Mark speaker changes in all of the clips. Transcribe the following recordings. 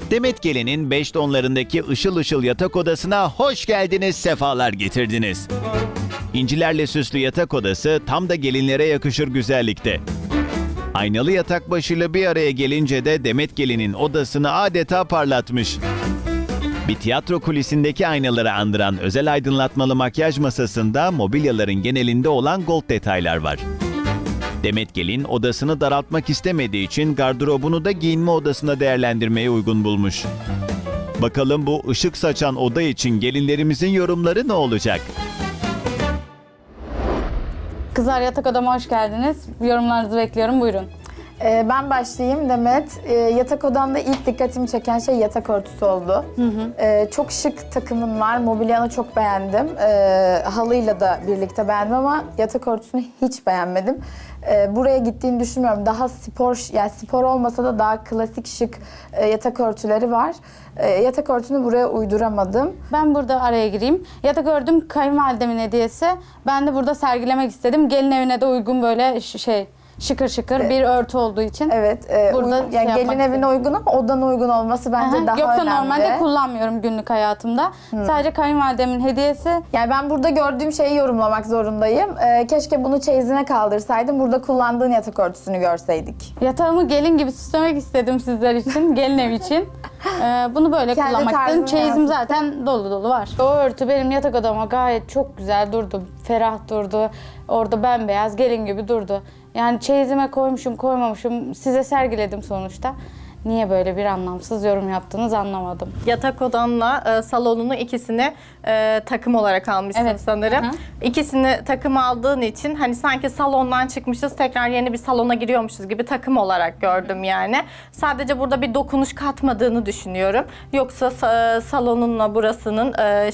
Speaker 1: Demet Gelin'in 5 tonlarındaki ışıl ışıl yatak odasına hoş geldiniz, sefalar getirdiniz. İncilerle süslü yatak odası tam da gelinlere yakışır güzellikte. Aynalı yatak başıyla bir araya gelince de Demet Gelin'in odasını adeta parlatmış. Bir tiyatro kulisindeki aynaları andıran özel aydınlatmalı makyaj masasında mobilyaların genelinde olan gold detaylar var. Demet Gelin odasını daraltmak istemediği için gardırobunu da giyinme odasına değerlendirmeye uygun bulmuş. Bakalım bu ışık saçan oda için gelinlerimizin yorumları ne olacak?
Speaker 2: Kızlar, yatak odama hoş geldiniz. Yorumlarınızı bekliyorum, buyurun.
Speaker 3: Ben başlayayım Demet. Yatak odamda ilk dikkatimi çeken şey yatak örtüsü oldu. Çok şık takımın var. Mobilyanı çok beğendim. Halıyla da birlikte beğendim ama yatak örtüsünü hiç beğenmedim. Buraya gittiğini düşünmüyorum. Daha spor, yani spor olmasa da daha klasik şık yatak örtüleri var. Yatak örtüsünü buraya uyduramadım.
Speaker 2: Ben burada araya gireyim. Yatak ördüm, kayınvalidemin hediyesi. Ben de burada sergilemek istedim. Gelin evine de uygun böyle şıkır şıkır bir örtü olduğu için.
Speaker 3: Evet.
Speaker 2: Burada
Speaker 3: Yani
Speaker 2: yapmak
Speaker 3: gelin evine
Speaker 2: istedim.
Speaker 3: uygun ama odana uygun olması bence daha
Speaker 2: Yoksa
Speaker 3: önemli.
Speaker 2: normalde kullanmıyorum günlük hayatımda. Sadece kayınvalidemin hediyesi.
Speaker 3: Yani ben burada gördüğüm şeyi yorumlamak zorundayım. Keşke bunu çeyizine kaldırsaydım. Burada kullandığın yatak örtüsünü görseydik.
Speaker 2: Yatağımı gelin gibi süslemek istedim sizler için, gelin ev için. Bunu böyle
Speaker 3: Kendi
Speaker 2: kullanmak istedim.
Speaker 3: tarzını
Speaker 2: Çeyizim
Speaker 3: yansıttın.
Speaker 2: zaten dolu dolu var. O örtü benim yatak odama gayet çok güzel durdu. Ferah durdu. Orada bembeyaz gelin gibi durdu. Yani çeyizime koymuşum koymamışım size sergiledim sonuçta. Niye böyle bir anlamsız yorum yaptınız anlamadım.
Speaker 4: Yatak odanla salonunu ikisini takım olarak almışsın
Speaker 2: Evet.
Speaker 4: sanırım.
Speaker 2: Hı hı.
Speaker 4: İkisini takım aldığın için hani sanki salondan çıkmışız tekrar yeni bir salona giriyormuşuz gibi takım olarak gördüm yani. Sadece burada bir dokunuş katmadığını düşünüyorum. Yoksa salonunla burasının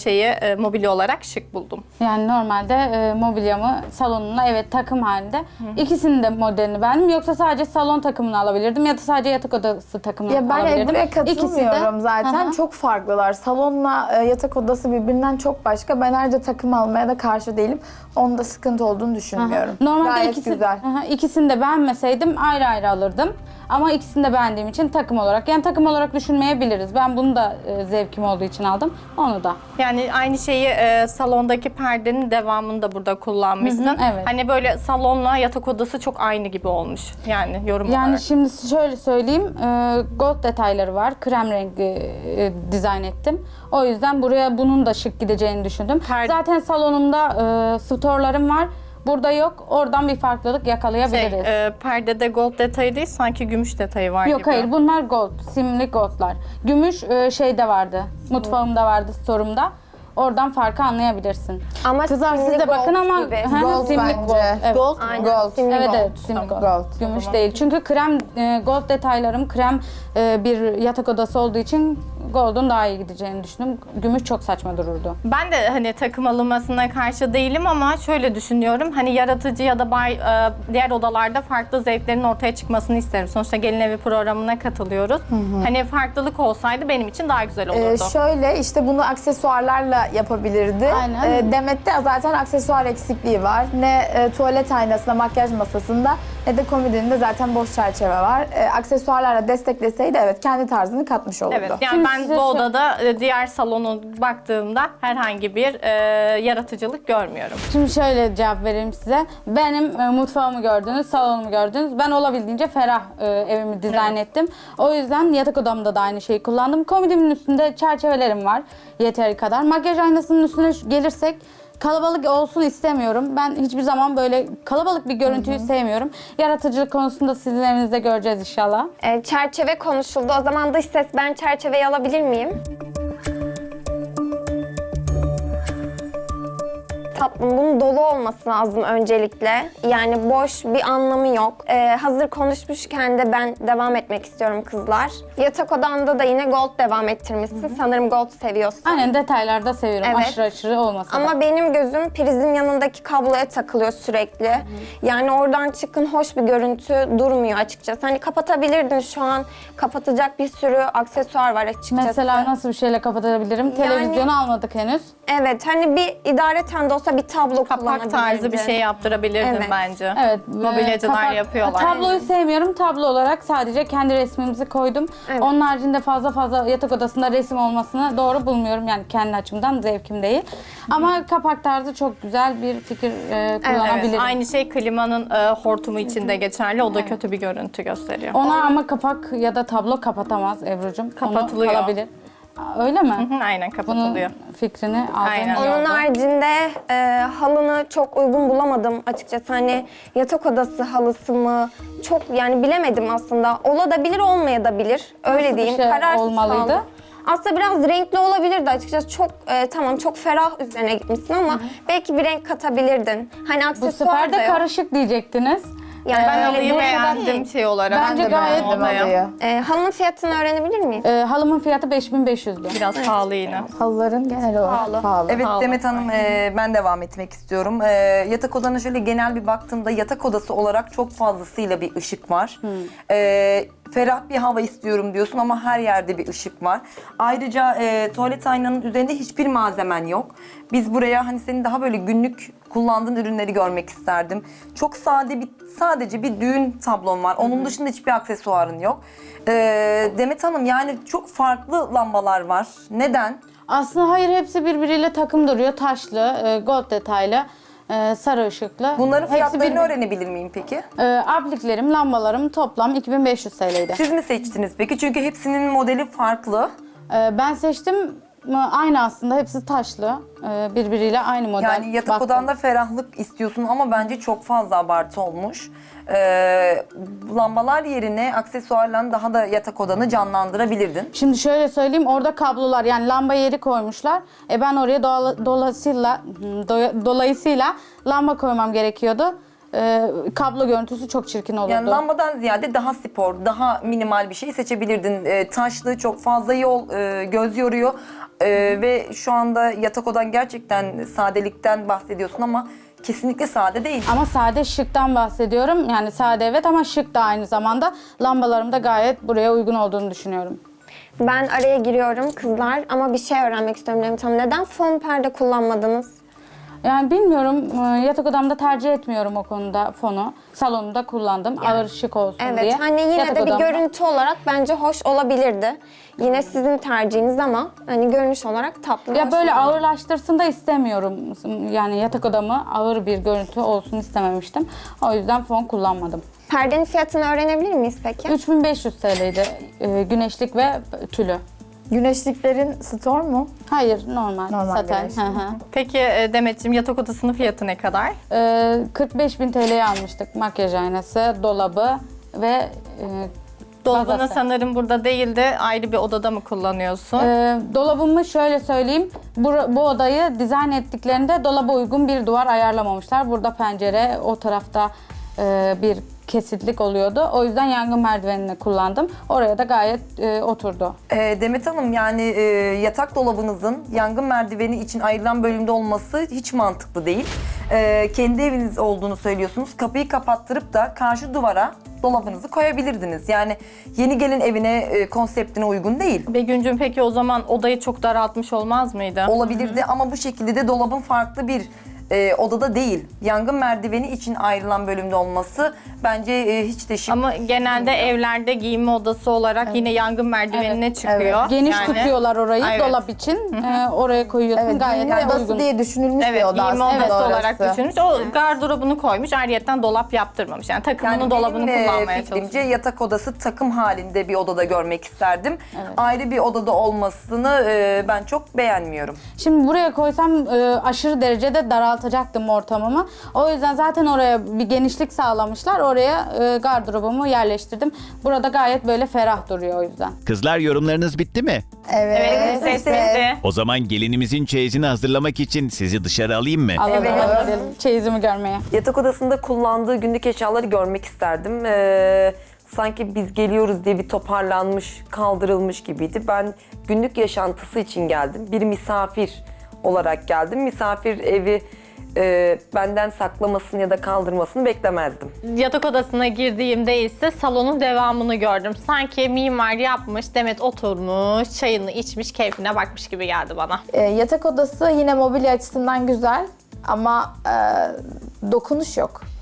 Speaker 4: mobilya olarak şık buldum.
Speaker 2: Yani normalde mobilyamı salonumla evet takım halinde. İkisinin de modelini beğendim. Yoksa sadece salon takımını alabilirdim ya da sadece yatak odası takımını
Speaker 3: Ya ben
Speaker 2: alabilirdim.
Speaker 3: buraya
Speaker 2: İkisi de-
Speaker 3: katılmıyorum zaten.
Speaker 2: Hı hı.
Speaker 3: Çok farklılar. Salonla yatak odası birbirinden çok başka. Ben ayrıca takım almaya da karşı değilim. Onda sıkıntı olduğunu düşünmüyorum.
Speaker 2: Normalde
Speaker 3: Gayet güzel.
Speaker 2: ikisini de beğenmeseydim ayrı ayrı alırdım. Ama ikisini de beğendiğim için takım olarak. Yani takım olarak düşünmeyebiliriz. Ben bunu da zevkim olduğu için aldım. Onu da.
Speaker 4: Yani aynı şeyi salondaki perdenin devamını da burada kullanmışsın.
Speaker 2: Hı hı, evet.
Speaker 4: Hani böyle salonla yatak odası çok aynı gibi olmuş. Yani yorum
Speaker 2: Yani
Speaker 4: olarak.
Speaker 2: şimdi şöyle söyleyeyim. Gold detayları var. Krem rengi dizayn ettim. O yüzden buraya bunun da şık gideceğini düşündüm. Zaten salonumda storlarım var. Burada yok. Oradan bir farklılık yakalayabiliriz.
Speaker 4: Perdede gold detayı değil sanki gümüş detayı var
Speaker 2: Yok
Speaker 4: gibi.
Speaker 2: hayır, bunlar gold, simli goldlar. Gümüş şeyde vardı, mutfağımda vardı, storumda. Oradan farkı anlayabilirsin.
Speaker 5: Ama
Speaker 2: Kızlar
Speaker 5: simli
Speaker 2: siz de bakın
Speaker 5: gold
Speaker 2: ama
Speaker 5: gibi.
Speaker 3: Gold
Speaker 2: simli
Speaker 3: bence.
Speaker 2: gold. Evet.
Speaker 5: Aynen.
Speaker 3: Gold.
Speaker 5: Simli
Speaker 2: Evet
Speaker 5: gold.
Speaker 2: evet, simli gold.
Speaker 3: Gold.
Speaker 2: Gümüş değil. Çünkü krem gold detaylarım krem bir yatak odası olduğu için gold'un daha iyi gideceğini düşündüm. Gümüş çok saçma dururdu.
Speaker 4: Ben de hani takım alınmasına karşı değilim ama şöyle düşünüyorum. Hani yaratıcı ya da diğer odalarda farklı zevklerin ortaya çıkmasını isterim. Sonuçta gelin evi programına katılıyoruz. Hani farklılık olsaydı benim için daha güzel olurdu.
Speaker 3: Şöyle işte bunu aksesuarlarla yapabilirdi.
Speaker 2: Aynen.
Speaker 3: Demet'te zaten aksesuar eksikliği var. Ne tuvalet aynasında, makyaj masasında ne de komodinde zaten boş çerçeve var. Aksesuarlarla destekleseydi evet kendi tarzını katmış olurdu.
Speaker 4: Evet, yani
Speaker 2: Şimdi
Speaker 4: ben
Speaker 2: size
Speaker 4: bu odada diğer salona baktığımda herhangi bir yaratıcılık görmüyorum.
Speaker 2: Şimdi şöyle cevap vereyim size. Benim mutfağımı gördünüz, salonumu gördünüz. Ben olabildiğince ferah evimi dizayn ettim. O yüzden yatak odamda da aynı şeyi kullandım. Komodimin üstünde çerçevelerim var yeteri kadar. Makyaj aynasının üstüne gelirsek kalabalık olsun istemiyorum. Ben hiçbir zaman böyle kalabalık bir görüntüyü sevmiyorum. Yaratıcılık konusunda sizin evinizde göreceğiz inşallah.
Speaker 5: Çerçeve konuşuldu. O zaman dış ses, ben çerçeveyi alabilir miyim? Tatlım, bunun dolu olması lazım öncelikle. Yani boş bir anlamı yok. Hazır konuşmuşken de ben devam etmek istiyorum kızlar. Yatak odanda da yine gold devam ettirmişsin. Sanırım gold seviyorsun.
Speaker 2: Aynen, detaylarda seviyorum.
Speaker 5: Evet.
Speaker 2: Aşırı aşırı olmasa da.
Speaker 5: Ama benim gözüm prizin yanındaki kabloya takılıyor sürekli. Yani oradan çıkın hoş bir görüntü durmuyor açıkçası. Hani kapatabilirdin, şu an kapatacak bir sürü aksesuar var açıkçası.
Speaker 2: Mesela nasıl bir şeyle kapatabilirim? Televizyonu almadık henüz.
Speaker 5: Evet, hani bir idareten de olsa bir tablo
Speaker 4: Kapak
Speaker 5: kullanabilirdin.
Speaker 4: tarzı bir şey yaptırabilirdin
Speaker 5: Evet.
Speaker 4: bence.
Speaker 2: Evet.
Speaker 4: Mobilyacılar yapıyorlar.
Speaker 2: Tabloyu sevmiyorum. Tablo olarak sadece kendi resmimizi koydum.
Speaker 5: Evet.
Speaker 2: Onun haricinde fazla yatak odasında resim olmasını doğru bulmuyorum. Yani kendi açımdan zevkim değil. Ama kapak tarzı çok güzel bir fikir kullanabilirim.
Speaker 4: Evet, aynı şey klimanın hortumu için de geçerli. O da kötü bir görüntü gösteriyor.
Speaker 2: Ona ama kapak ya da tablo kapatamaz Ebru'cum.
Speaker 4: Kapatılıyor.
Speaker 2: Onu kalabilir. Öyle mi?
Speaker 4: Hı, aynen,
Speaker 2: Bunun
Speaker 4: kapatılıyor.
Speaker 2: fikrini aldım.
Speaker 4: Aynen.
Speaker 5: Onun haricinde halını çok uygun bulamadım açıkçası. Hani yatak odası halısı mı? Çok yani bilemedim aslında. Olabilir, olmayabilir. Öyle
Speaker 2: Nasıl bir
Speaker 5: diyeyim.
Speaker 2: şey
Speaker 5: Kararsız
Speaker 2: olmalıydı?
Speaker 5: kaldım. Aslında biraz renkli olabilirdi açıkçası. Çok tamam, çok ferah üzerine gitmişsin ama belki bir renk katabilirdin. Hani
Speaker 2: Bu
Speaker 5: aksesuar
Speaker 2: sefer
Speaker 5: da
Speaker 2: de
Speaker 5: yok.
Speaker 2: karışık diyecektiniz.
Speaker 5: Yani
Speaker 4: Ben
Speaker 5: öyle
Speaker 4: halıyı
Speaker 5: bir-
Speaker 4: beğendim şey olarak.
Speaker 2: Bence
Speaker 3: Ben de
Speaker 2: gayet
Speaker 3: beğendim
Speaker 4: odaya.
Speaker 3: halıyı.
Speaker 5: Halının fiyatını öğrenebilir miyim?
Speaker 2: Halımın fiyatı 5.500'dü.
Speaker 4: Biraz pahalı yine.
Speaker 3: Halıların genel olarak pahalı.
Speaker 6: Evet
Speaker 4: Pahalı.
Speaker 6: Demet Hanım, ben devam etmek istiyorum. Yatak odana şöyle genel bir baktığımda yatak odası olarak çok fazlasıyla bir ışık var. Ferah bir hava istiyorum diyorsun ama her yerde bir ışık var. Ayrıca tuvalet aynanın üzerinde hiçbir malzemen yok. Biz buraya hani senin daha böyle günlük kullandığın ürünleri görmek isterdim. Çok sadece bir düğün tablon var. Onun dışında hiçbir aksesuarın yok. Demet Hanım, yani çok farklı lambalar var. Neden?
Speaker 2: Aslında hayır, hepsi birbiriyle takım duruyor. Taşlı, gold detaylı, sarı ışıklı.
Speaker 6: Bunların
Speaker 2: Hepsi
Speaker 6: fiyatlarını
Speaker 2: bir-
Speaker 6: öğrenebilir miyim peki?
Speaker 2: Apliklerim, lambalarım toplam 2500 TL'ydi.
Speaker 6: Siz mi seçtiniz peki? Çünkü hepsinin modeli farklı.
Speaker 2: Ben seçtim, aynı aslında, hepsi taşlı. Birbiriyle aynı model.
Speaker 6: Yani yatak
Speaker 2: Baktım.
Speaker 6: odanda ferahlık istiyorsun ama bence çok fazla abartı olmuş. Lambalar yerine aksesuarla daha da yatak odanı canlandırabilirdin.
Speaker 2: Şimdi şöyle söyleyeyim, orada kablolar, yani lamba yeri koymuşlar. Ben oraya dolayısıyla lamba koymam gerekiyordu. Kablo görüntüsü çok çirkin olurdu.
Speaker 6: Yani lambadan ziyade daha spor, daha minimal bir şey seçebilirdin. Taşlı, çok fazla yol, göz yoruyor. Ve şu anda yatak odan gerçekten sadelikten bahsediyorsun ama kesinlikle sade değil.
Speaker 2: Ama sade, şıktan bahsediyorum. Yani sade evet ama şık da aynı zamanda. Lambalarım da gayet buraya uygun olduğunu düşünüyorum.
Speaker 5: Ben araya giriyorum kızlar ama bir şey öğrenmek istiyorum Demet Hanım. Neden fon perde kullanmadınız?
Speaker 2: Yani bilmiyorum, yatak odamda tercih etmiyorum o konuda fonu. Salonumda kullandım, ağır şık olsun
Speaker 5: Evet,
Speaker 2: diye.
Speaker 5: hani yine
Speaker 2: Yatak
Speaker 5: de bir
Speaker 2: odamda-
Speaker 5: görüntü olarak bence hoş olabilirdi. Yine sizin tercihiniz ama hani görünüş olarak tatlı.
Speaker 2: Ya
Speaker 5: hoş
Speaker 2: böyle
Speaker 5: oldu.
Speaker 2: ağırlaştırsın da istemiyorum. Yani yatak odamı ağır bir görüntü olsun istememiştim. O yüzden fon kullanmadım.
Speaker 5: Perdenin fiyatını öğrenebilir miyiz peki?
Speaker 2: 3500 TL'ydi güneşlik ve tülü.
Speaker 3: Güneşliklerin store mu?
Speaker 2: Hayır, normal saten.
Speaker 3: güneşlik.
Speaker 2: Hı hı.
Speaker 4: Peki Demetciğim, yatak odasının fiyatı ne kadar?
Speaker 2: 45.000 TL'ye almıştık makyaj aynası, dolabı ve
Speaker 4: Dolabını
Speaker 2: bazası.
Speaker 4: sanırım burada değil de ayrı bir odada mı kullanıyorsun?
Speaker 2: Dolabımı şöyle söyleyeyim, bu odayı dizayn ettiklerinde dolaba uygun bir duvar ayarlamamışlar. Burada pencere, o tarafta bir kesitlik oluyordu. O yüzden yangın merdivenini kullandım. Oraya da gayet oturdu.
Speaker 6: Demet Hanım, yani yatak dolabınızın yangın merdiveni için ayrılan bölümde olması hiç mantıklı değil. Kendi eviniz olduğunu söylüyorsunuz. Kapıyı kapattırıp da karşı duvara dolabınızı koyabilirdiniz. Yani yeni gelin evine konseptine uygun değil.
Speaker 4: Begüncüğüm, peki o zaman odayı çok daraltmış olmaz mıydı?
Speaker 6: Olabilirdi ama bu şekilde de dolabın farklı bir odada değil. Yangın merdiveni için ayrılan bölümde olması bence hiç de şık.
Speaker 4: Ama genelde evlerde giyinme odası olarak yine yangın merdivenine çıkıyor.
Speaker 2: Geniş
Speaker 4: Yani-
Speaker 2: tutuyorlar orayı
Speaker 4: Evet.
Speaker 2: dolap için. Oraya koyuyorsun,
Speaker 3: Evet,
Speaker 2: gayet
Speaker 3: giyinme
Speaker 2: de
Speaker 3: odası
Speaker 2: uygun.
Speaker 3: diye düşünülmüş
Speaker 4: Evet,
Speaker 3: bir oda
Speaker 4: giyinme
Speaker 3: aslında
Speaker 4: odası
Speaker 3: orası.
Speaker 4: olarak düşünmüş. O gardırobunu koymuş, ayrıyetten dolap yaptırmamış. Yani takımını, dolabını
Speaker 6: benim,
Speaker 4: kullanmaya
Speaker 6: fikrimce
Speaker 4: çalışmış.
Speaker 6: yatak odası takım halinde bir odada görmek isterdim. Ayrı bir odada olmasını ben çok beğenmiyorum.
Speaker 2: Şimdi buraya koysam aşırı derecede daraltacaktım ortamımı. O yüzden zaten oraya bir genişlik sağlamışlar. Oraya gardırobumu yerleştirdim. Burada gayet böyle ferah duruyor o yüzden.
Speaker 1: Kızlar, yorumlarınız bitti mi?
Speaker 4: Evet, sesli.
Speaker 1: O zaman gelinimizin çeyizini hazırlamak için sizi dışarı alayım mı?
Speaker 2: Alalım, hadi gidelim çeyizimi görmeye.
Speaker 6: Yatak odasında kullandığı günlük eşyaları görmek isterdim. Sanki biz geliyoruz diye bir toparlanmış, kaldırılmış gibiydi. Ben günlük yaşantısı için geldim. Bir misafir olarak geldim. Misafir evi benden saklamasını ya da kaldırmasını beklemezdim.
Speaker 4: Yatak odasına girdiğimde ise salonun devamını gördüm. Sanki mimar yapmış, Demet oturmuş, çayını içmiş, keyfine bakmış gibi geldi bana.
Speaker 3: Yatak odası yine mobilya açısından güzel ama dokunuş yok.